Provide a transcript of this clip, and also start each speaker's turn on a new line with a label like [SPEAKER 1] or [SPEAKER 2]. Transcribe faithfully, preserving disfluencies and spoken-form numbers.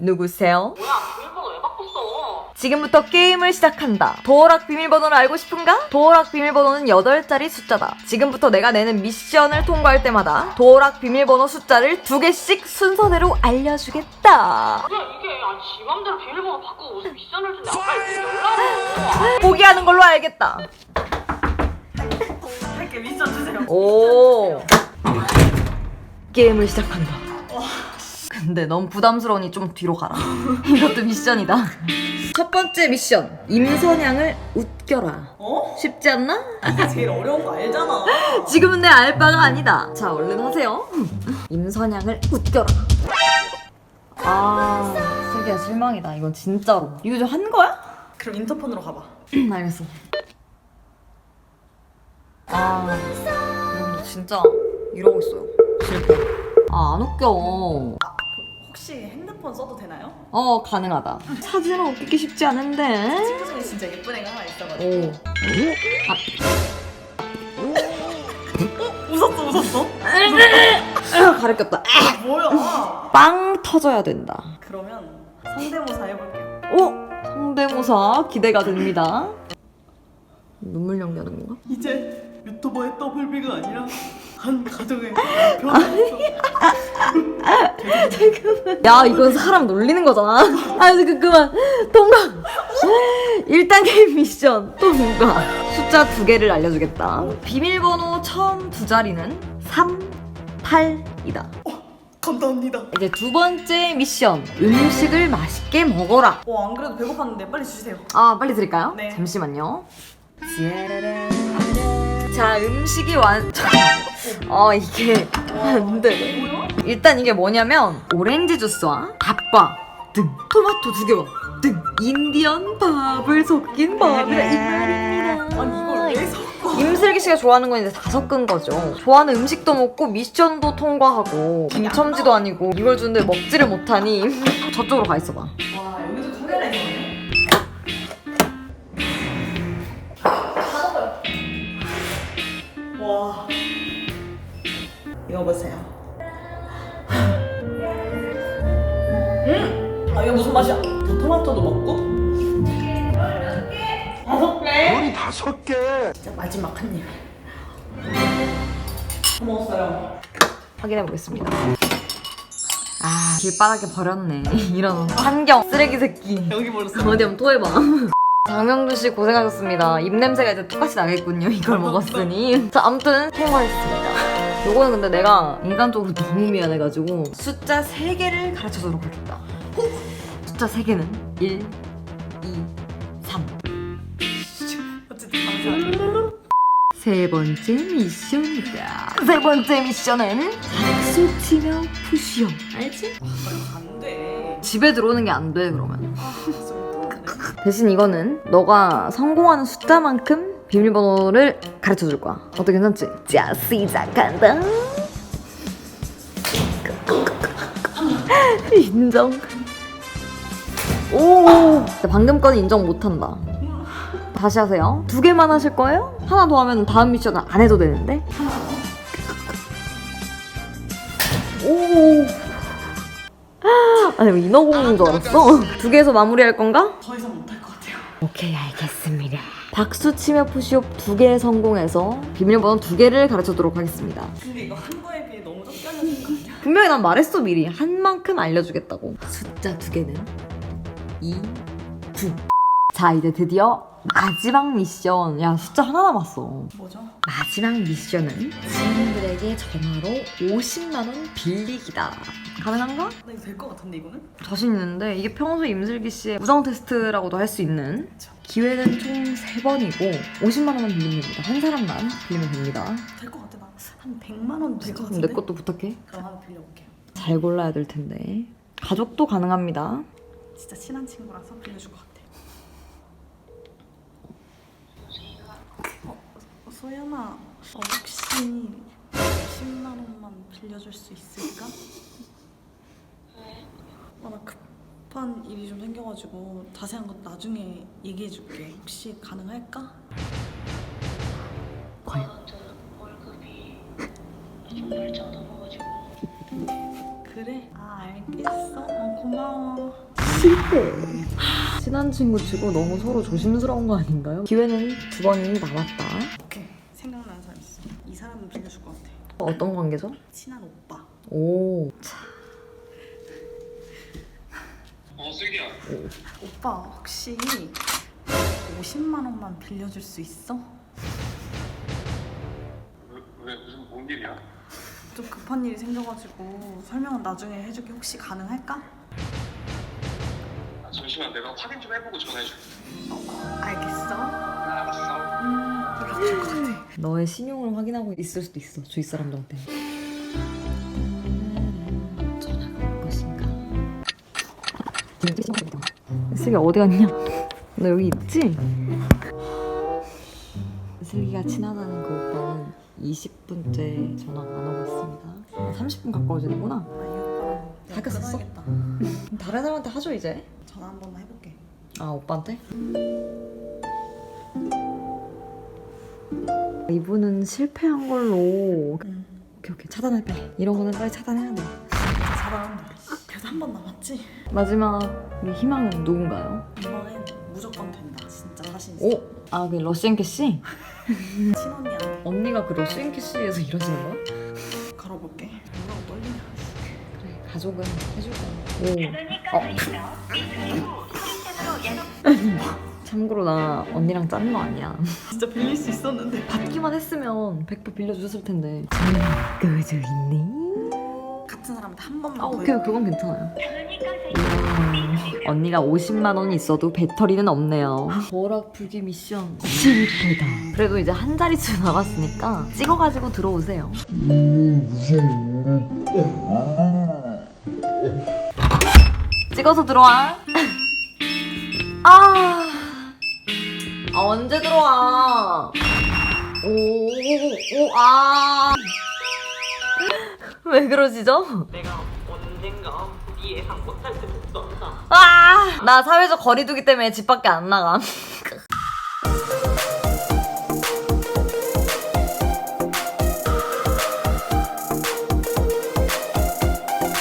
[SPEAKER 1] 누구세요?
[SPEAKER 2] 뭐야, 비밀번호 왜 바꿨어?
[SPEAKER 1] 지금부터 게임을 시작한다. 도어락 비밀번호를 알고 싶은가? 도어락 비밀번호는 여덟 자리 숫자다. 지금부터 내가 내는 미션을 통과할 때마다 도어락 비밀번호 숫자를 두 개씩 순서대로 알려주겠다.
[SPEAKER 2] 뭐야, 이게. 아니, 지 맘대로 비밀번호 바꾸고 무슨 미션을 준대. 아까 이렇게 연락을.
[SPEAKER 1] 포기하는 걸로 알겠다.
[SPEAKER 2] 할게, 미션 주세요.
[SPEAKER 1] 오. 게임을 시작한다. 근데 너무 부담스러우니 좀 뒤로 가라. 이것도 미션이다. 첫 번째 미션. 임선양을 웃겨라.
[SPEAKER 2] 어?
[SPEAKER 1] 쉽지 않나?
[SPEAKER 2] 이게 제일 어려운 거 알잖아.
[SPEAKER 1] 지금은 내 알바가 아니다. 자, 얼른 하세요. 임선양을 웃겨라. 아, 슬기야 실망이다. 이건 진짜로. 이거 좀 한 거야?
[SPEAKER 2] 그럼 인터폰으로 가봐.
[SPEAKER 1] 알겠어. 아, 여러분들 진짜 이러고 있어요. 실패. 아, 안 웃겨.
[SPEAKER 2] 혹시 핸드폰 써도 되나요?
[SPEAKER 1] 어, 가능하다. 사진은 웃기기 쉽지 않은데.
[SPEAKER 2] 친구 중에 진짜 예쁜 애가 하나 있어가지고.
[SPEAKER 1] 오.
[SPEAKER 2] 웃었어, 웃었어?
[SPEAKER 1] 아, 가르쳤다.
[SPEAKER 2] 뭐야?
[SPEAKER 1] 빵 터져야 된다.
[SPEAKER 2] 그러면 성대모사 해볼게요.
[SPEAKER 1] 오! 성대모사 기대가 됩니다. 눈물 연기하는 건가?
[SPEAKER 2] 이제 유튜버의 더블비가 아니라 한 가정의 남편으로서.
[SPEAKER 1] 야, 이건 사람 놀리는 거잖아. 아, 그, 그만. 통과. 일 단계 미션 통과. 숫자 두 개를 알려주겠다. 비밀번호 처음 두 자리는 삼, 팔이다.
[SPEAKER 2] 감사합니다.
[SPEAKER 1] 이제 두 번째 미션. 음식을 맛있게 먹어라.
[SPEAKER 2] 어, 안 그래도 배고팠는데 빨리 주세요.
[SPEAKER 1] 아, 빨리 드릴까요?
[SPEAKER 2] 네.
[SPEAKER 1] 잠시만요. 자, 음식이 완... 어, 이게 안 돼.
[SPEAKER 2] 뭐야?
[SPEAKER 1] 일단 이게 뭐냐면 오렌지 주스와 밥과 등 토마토 두 개와 등 인디언 밥을 섞인 밥이라 이 말입니다.
[SPEAKER 2] 아니 이걸 왜 섞어?
[SPEAKER 1] 임슬기 씨가 좋아하는 건 이제 다 섞은 거죠. 좋아하는 음식도 먹고 미션도 통과하고 김첨지도 아니고 이걸 주는데 먹지를 못하니 저쪽으로 가 있어봐.
[SPEAKER 2] 와, 여기도 카메라 있네. 와, 이거 보세요. 음, 아 이거 무슨 맛이야? 토마토도 먹고. 다섯 개.
[SPEAKER 3] 물이 다섯 개.
[SPEAKER 2] 진짜 마지막 한 입. 다 먹었어요.
[SPEAKER 1] 확인해 보겠습니다. 아, 길바닥에 버렸네. 이런 환경 쓰레기 새끼.
[SPEAKER 2] 여기 버렸어.
[SPEAKER 1] 어디 한번 토해봐. 장명준 씨 고생하셨습니다. 입냄새가 이제 똑같이 나겠군요. 이걸 먹었으니. 자, 아무튼 통과했습니다. 요거는 근데 내가 인간적으로 너무 미안해가지고 숫자 세 개를 가르쳐주도록 하겠다. 숫자 세 개는 일, 이, 삼.
[SPEAKER 2] 어쨌든 감사합니다.
[SPEAKER 1] 세 번째 미션이다. 세 번째 미션은 박수 치며 푸시업. 알지?
[SPEAKER 2] 안 돼.
[SPEAKER 1] 집에 들어오는 게 안 돼, 그러면.
[SPEAKER 2] 아, 좀
[SPEAKER 1] 대신 이거는 너가 성공하는 숫자만큼 비밀번호를 가르쳐줄 거야. 어때, 괜찮지? 자, 시작한다. 인정. 오, 방금 건 인정 못한다. 다시 하세요. 두 개만 하실 거예요? 하나 더 하면 다음 미션은 안 해도 되는데. 오. 아니, 뭐 인어공주인 줄 알았어. 두 개에서 마무리할 건가?
[SPEAKER 2] 더 이상 못할 것 같아요.
[SPEAKER 1] 오케이, 알겠습니다. 박수 치며 푸시업 두 개 성공해서 비밀번호 두 개를 가르쳐도록 하겠습니다.
[SPEAKER 2] 근데 이거 한 거에 비해 너무 적게 알려준 거 아니야?
[SPEAKER 1] 분명히 난 말했어, 미리. 한 만큼 알려주겠다고. 숫자 두 개는 이, 구. 자, 이제 드디어 마지막 미션. 야, 숫자 하나 남았어.
[SPEAKER 2] 뭐죠?
[SPEAKER 1] 마지막 미션은 지인들에게 전화로 오십만 원 빌리기다. 가능한가?
[SPEAKER 2] 나 이거 될 것 같은데 이거는?
[SPEAKER 1] 자신 있는데 이게 평소 임슬기 씨의 우정 테스트라고도 할 수 있는 기회는 총 세 번이고 오십만 원만 빌리면 됩니다. 한 사람만 빌리면 됩니다.
[SPEAKER 2] 될 것 같아. 나 한 백만 원 될 것
[SPEAKER 1] 그럼
[SPEAKER 2] 같은데?
[SPEAKER 1] 내 것도 부탁해.
[SPEAKER 2] 그럼 한번 빌려볼게요.
[SPEAKER 1] 잘 골라야 될 텐데. 가족도 가능합니다.
[SPEAKER 2] 진짜 친한 친구라서 빌려줄 것 같아. 어, 어, 소연아, 어, 혹시 십만 원만 빌려줄 수 있을까? 왜? 어, 나 급한 일이 좀 생겨가지고 자세한 건 나중에 얘기해줄게. 혹시 가능할까?
[SPEAKER 1] 과연?
[SPEAKER 4] 월급이 좀 날짜가 넘어가지고
[SPEAKER 2] 그래? 아 알겠어. 어, 고마워.
[SPEAKER 1] 실패. 친한 친구 치고 너무 서로 조심스러운 거 아닌가요? 기회는 두 번이 남았다.
[SPEAKER 2] 오케이 생각나는 사람 있어. 이 사람은 빌려줄 것 같아.
[SPEAKER 1] 어떤 관계죠?
[SPEAKER 2] 친한 오빠.
[SPEAKER 1] 오. 차.
[SPEAKER 3] 어, 슬기야.
[SPEAKER 2] 오빠 혹시 오십만 원만 빌려줄 수 있어?
[SPEAKER 3] 왜, 왜 무슨 뭔 일이야?
[SPEAKER 2] 좀 급한 일이 생겨가지고 설명은 나중에 해줄게. 혹시 가능할까?
[SPEAKER 3] 아, 잠시만 내가 확인 좀 해보고 전화해줄게.
[SPEAKER 2] 어, 알겠어.
[SPEAKER 3] 알았어.
[SPEAKER 2] 음, 빌려줄 것 같아.
[SPEAKER 1] 너의 신용을 확인하고 있을 수도 있어. 주위 사람들한테. 전화가 올 것인가? 슬기 어디 갔냐? 너 여기 있지? 슬기가 친하다는 그 오빠는 이십 분째 전화가 안 오고 있습니다. 삼십 분 가까워지는구나.
[SPEAKER 2] 아, 이 오빠랑
[SPEAKER 1] 사귀었었어?
[SPEAKER 2] 끊어야겠다.
[SPEAKER 1] 다른 사람한테 하죠 이제?
[SPEAKER 2] 전화 한 번만 해볼게.
[SPEAKER 1] 아 오빠한테? 이분은 실패한 걸로
[SPEAKER 2] 응.
[SPEAKER 1] 오케이 오케이 차단할 빨리. 이런 거는 빨리 차단해야 돼.
[SPEAKER 2] 잘한다. 그래도 한 번 남았지?
[SPEAKER 1] 마지막 우리 희망은 누군가요?
[SPEAKER 2] 이번엔 무조건 된다. 진짜 자신 있어.
[SPEAKER 1] 오! 아 그 러시앤 캐시?
[SPEAKER 2] 친언니한테
[SPEAKER 1] 언니가 그 러시앤 캐시에서 일하시는 거야?
[SPEAKER 2] 걸어볼게. 뭐라고 떨리냐.
[SPEAKER 1] 그래 가족은 해줄 거야. 오. 어. 참고로 나 언니랑 짠 거 아니야.
[SPEAKER 2] 진짜 빌릴 수 있었는데.
[SPEAKER 1] 받기만 했으면 백 퍼센트 빌려주셨을 텐데. 그저 있네.
[SPEAKER 2] 같은 사람한테 한 번만
[SPEAKER 1] 아
[SPEAKER 2] 더
[SPEAKER 1] 오케이 그건 괜찮아요. 음, 언니가 오십만 원이 있어도 배터리는 없네요. 버락 불기 미션 실패다. 그래도 이제 한 자릿수 남았으니까 찍어가지고 들어오세요. 찍어서 들어와. 아, 아 언제 들어와? 오오 아. 왜 그러시죠?
[SPEAKER 2] 내가 언젠가 네 예상 못할 때 복수한다.
[SPEAKER 1] 아! 나 사회적 거리두기 때문에 집 밖에 안 나가.